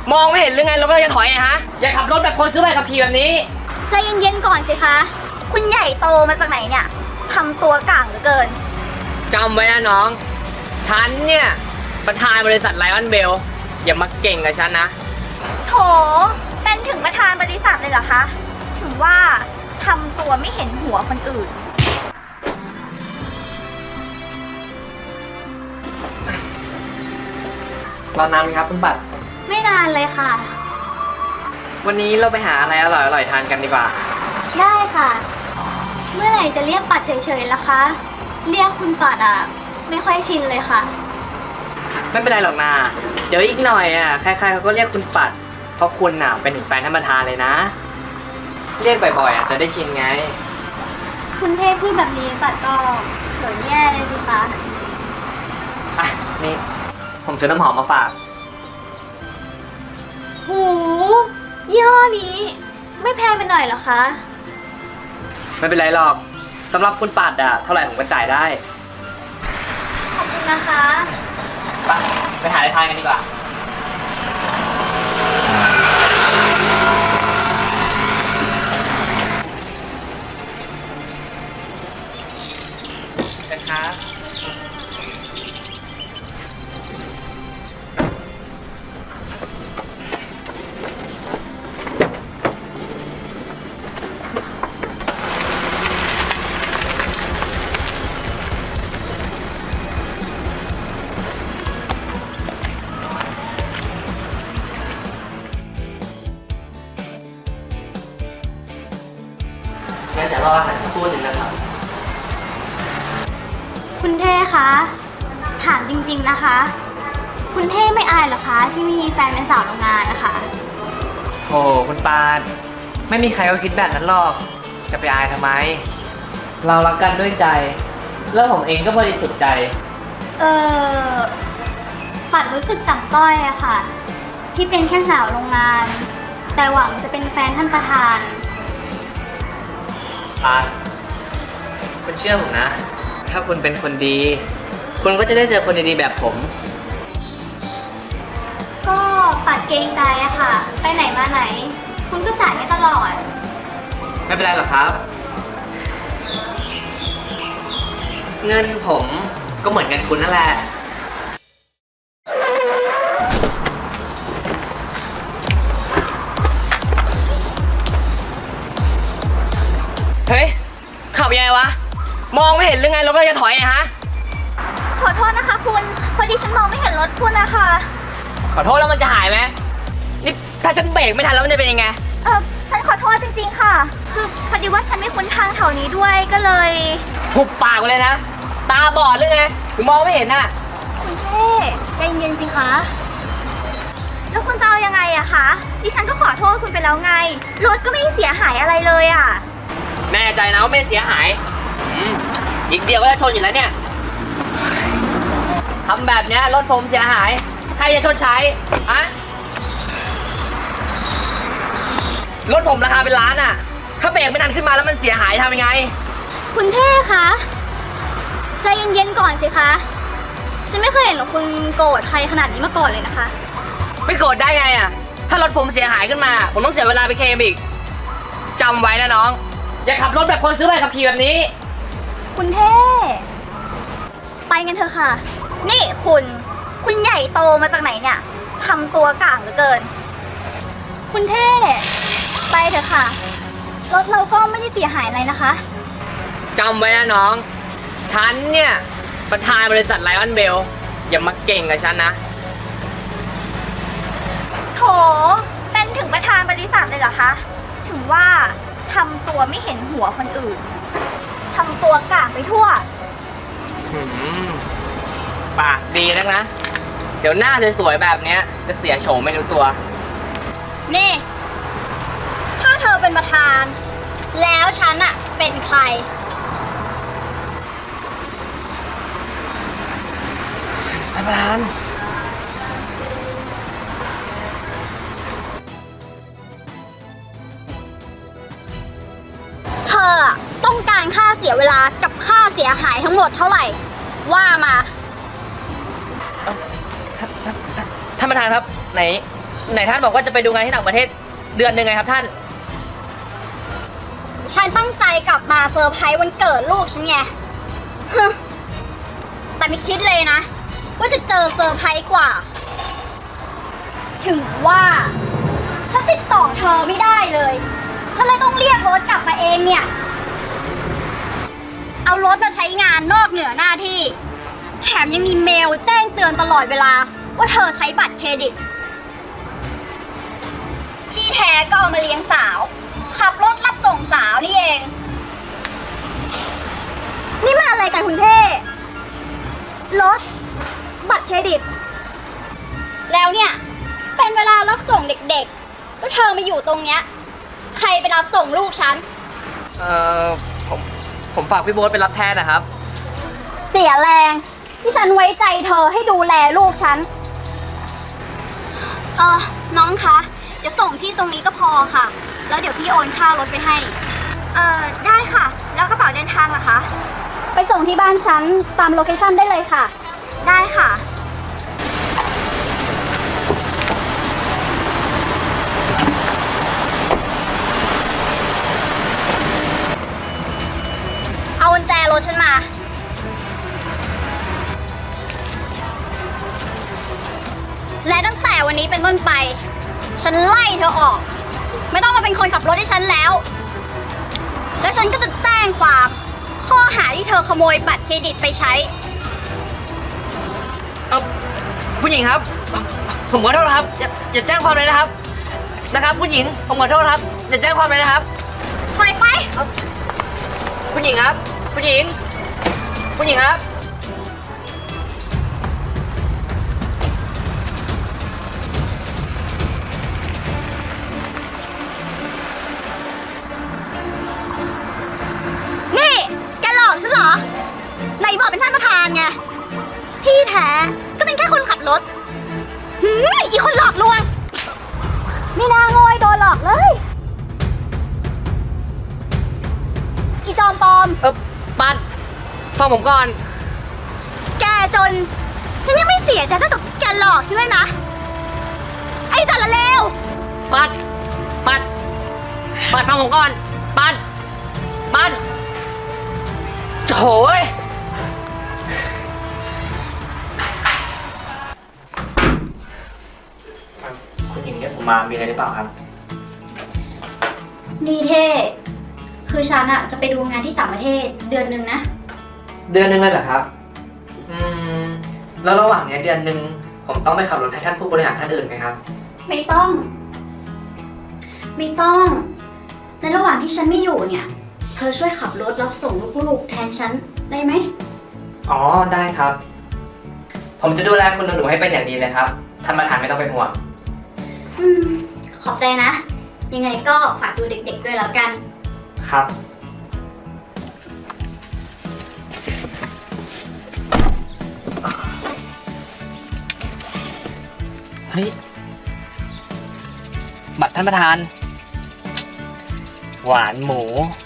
มองไม่เห็นหรือไงรถเราจะถอยนะฮะอย่าขับรถแบบคนซื้อใบขับขี่แบบนี้ใจเย็นๆก่อนสิคะคุณใหญ่โตมาจากไหนเนี่ยทำตัวก่างเหลือเกินจำไว้นะน้องฉันเนี่ยประธานบริษัทไลออนเบลอย่ามาเก่งกับฉันนะโถเป็นถึงประธานบริษัทเลยเหรอคะถึงว่าทำตัวไม่เห็นหัวคนอื่นรอนานไหมครับคุณปัดไม่นานเลยค่ะวันนี้เราไปหาอะไรอร่อยๆทานกันดีกว่าได้ค่ะเมื่อไหร่จะเรียกปัดเฉยๆล่ะคะเรียกคุณปัดอ่ะไม่ค่อยชินเลยค่ะไม่เป็นไรหรอกนาเดี๋ยวอีกหน่อยอ่ะใครๆเขาก็เรียกคุณปัดเพราะคุณอ่ะเป็นถึงแฟนท่านประธานเลยนะเรียกบ่อยๆอ่ะจะได้ชินไงคุณเทพพูดแบบนี้ปัดก็เขินแย่เลยสิคะอ่ะนี่ผมซื้อน้ำหอมมาฝากหูยี่ห้อนี้ไม่แพงไปหน่อยเหรอคะไม่เป็นไรหรอกสำหรับคุณปัดอ่ะเท่าไหร่ผมก็จ่ายได้ขอบคุณนะคะไปหาอะไรทานกันดีกว่ากันครับงั้นเดี๋ยวรออาหารสักครู่หนึ่งนะครับคุณเท่คะถามจริงๆนะคะคุณเท่ไม่อายเหรอคะที่มีแฟนเป็นสาวโรงงานนะคะโอ้คุณปานไม่มีใครเขาคิดแบบนั้นหรอกจะไปอายทำไมเรารักกันด้วยใจแล้วผมเองก็บริสุทธิ์ใจปัดรู้สึกต่ำต้อยอะค่ะที่เป็นแค่สาวโรงงานแต่หวังจะเป็นแฟนท่านประธานปานคุณเชื่อผมนะถ้าคุณเป็นคนดีคุณก็จะได้เจอคนดีๆแบบผมก็ปัดเกรงใจอะค่ะไปไหนมาไหนคุณก็จ่ายให้ตลอดไม่เป็นไรหรอกครับเงินผมก็เหมือนกันคุณนั่นแหละเฮ้ยขับยังไงวะมองไม่เห็นหรือไงรถเราจะถอยนะฮะขอโทษนะคะคุณพอดีฉันมองไม่เห็นรถคุณนะคะขอโทษแล้วมันจะหายไหมนี่ถ้าฉันเบรกไม่ทันแล้วมันจะเป็นยังไงฉันขอโทษจริงๆค่ะคือพอดีว่าฉันไม่คุ้นทางแถวนี้ด้วยก็เลยหุบปากไปเลยนะตาบอดหรือไงถึงมองไม่เห็นน่ะคุณเท่ใจเย็นสิคะแล้วคุณจะเอายังไงอะคะดิฉันก็ขอโทษคุณไปแล้วไงรถก็ไม่ได้เสียหายอะไรเลยอะแน่ใจนะว่าไม่เสียหายอีกเดียวก็จะชนอยู่แล้วเนี่ยทำแบบนี้รถผมเสียหายใครจะชดใช้อะรถผมราคาเป็นล้านอะถ้าเบรกไม่ทันขึ้นมาแล้วมันเสียหายทำยังไงคุณเท่คะใจเย็นๆก่อนสิคะฉันไม่เคยเห็นหรอกคุณโกรธใครขนาดนี้มาก่อนเลยนะคะไม่โกรธได้ไงอะถ้ารถผมเสียหายขึ้นมาผมต้องเสียเวลาไปเคลมอีกจำไว้นะน้องอย่าขับรถแบบคนซื้อใบขับขี่แบบนี้คุณเท่ไปกันเถอะค่ะนี่คุณใหญ่โตมาจากไหนเนี่ยทำตัวก่างเหลือเกินคุณเท่ไปเถอะค่ะรถเราก็ไม่ได้เสียหายอะไรนะคะจำไว้นะน้องฉันเนี่ยประธานบริษัทไลออนเบลอย่ามาเก่งกับฉันนะโถเป็นถึงประธานบริษัทเลยเหรอคะถึงว่าทำตัวไม่เห็นหัวคนอื่นทำตัวก่างไปทั่วปากดีนักนะเดี๋ยวหน้าสวยๆแบบนี้จะเสียโฉมไม่รู้ตัวนี่ถ้าเธอเป็นประธานแล้วฉันอะเป็นใครประธานเธอต้องการค่าเสียเวลากับค่าเสียหายทั้งหมดเท่าไหร่ว่ามาท่านประธานครับไหนไหนท่านบอกว่าจะไปดูงานที่ต่างประเทศเดือนหนึ่งไงครับท่านฉันตั้งใจกลับมาเซอร์ไพรส์วันเกิดลูกฉันไงฮึแต่ไม่คิดเลยนะ ว่าจะเจอเซอร์ไพรส์กว่า ถึงว่าฉันติดต่อเธอไม่ได้เลยฉันเลยต้องเรียกรถกลับมาเองเนี่ย เอารถมาใช้งานนอกเหนือหน้าที่ แถมยังมีเมลแจ้งเตือนตลอดเวลาว่าเธอใช้บัตรเครดิต ที่แท้ก็เอามาเลี้ยงสาว ขับรถรับส่งสาวนี่เอง นี่มันอะไรกันคุณเท่รถบัตรเครดิต แล้วเนี่ย เป็นเวลารับส่งเด็กๆแล้วเธอมาอยู่ตรงเนี้ย ใครไปรับส่งลูกฉันผมฝากพี่โบ๊ทไปรับแทนนะครับเสียแรงที่ฉันไว้ใจเธอให้ดูแลลูกฉัน น้องคะเดี๋ยวส่งที่ตรงนี้ก็พอค่ะ แล้วเดี๋ยวพี่โอนค่ารถไปให้ ได้ค่ะ แล้วกระเป๋าเดินทางล่ะคะ ไปส่งที่บ้านฉันตามโลเคชั่นได้เลยค่ะ ได้ค่ะ เอากุญแจรถฉันมา และตั้งแต่วันนี้เป็นต้นไป ฉันไล่เธอออก ไม่ต้องมาเป็นคนขับรถให้ฉันแล้ว แล้วฉันก็จะแจ้งความข้อหาที่เธอขโมยบัตรเครดิตไปใช้คุณหญิงครับ ผมขอโทษครับอย่าแจ้งความเลยนะครับ นะครับคุณหญิงผมขอโทษครับอย่าแจ้งความเลยนะครับปล่อยไปคุณหญิงครับ คุณหญิง คุณหญิงครับนี่แกหลอกฉันเหรอไหนบอกเป็นท่านประธานไง ที่แท้ก็เป็นแค่คนขับรถอีคนหลอกลวงไม่น่าโง่โดนหลอกเลย อีจอมปลอมปัดฟังผมก่อนแกจน ฉันยังไม่เสียใจเท่ากับแกหลอกฉันเลยนะ ไอ้สารเลวปัดฟังผมก่อน ปัดโถ่เอ้ยคุณหญิงเรียกผมมามีอะไรหรือเปล่าครับดีเท่ คือฉันอะจะไปดูงานที่ต่างประเทศเดือนหนึ่งนะเดือนหนึงเลยเหรอครับ แล้วระหว่างเนี้ยเดือนหนึงผมต้องไปขับรถให้ท่านผู้บริหารท่านอื่นไหมครับไม่ต้อง ในระหว่างที่ฉันไม่อยู่เนี่ย เธอช่วยขับรถรับส่งลูกๆแทนฉันได้ไหมอ๋อได้ครับ ผมจะดูแลคุณหนูๆให้เป็นอย่างดีเลยครับท่านประธานไม่ต้องเป็นห่วงขอบใจนะ ยังไงก็ฝากดูเด็กๆด้วยแล้วกันครับเฮ้ยบัตรท่านประธาน หวานหมู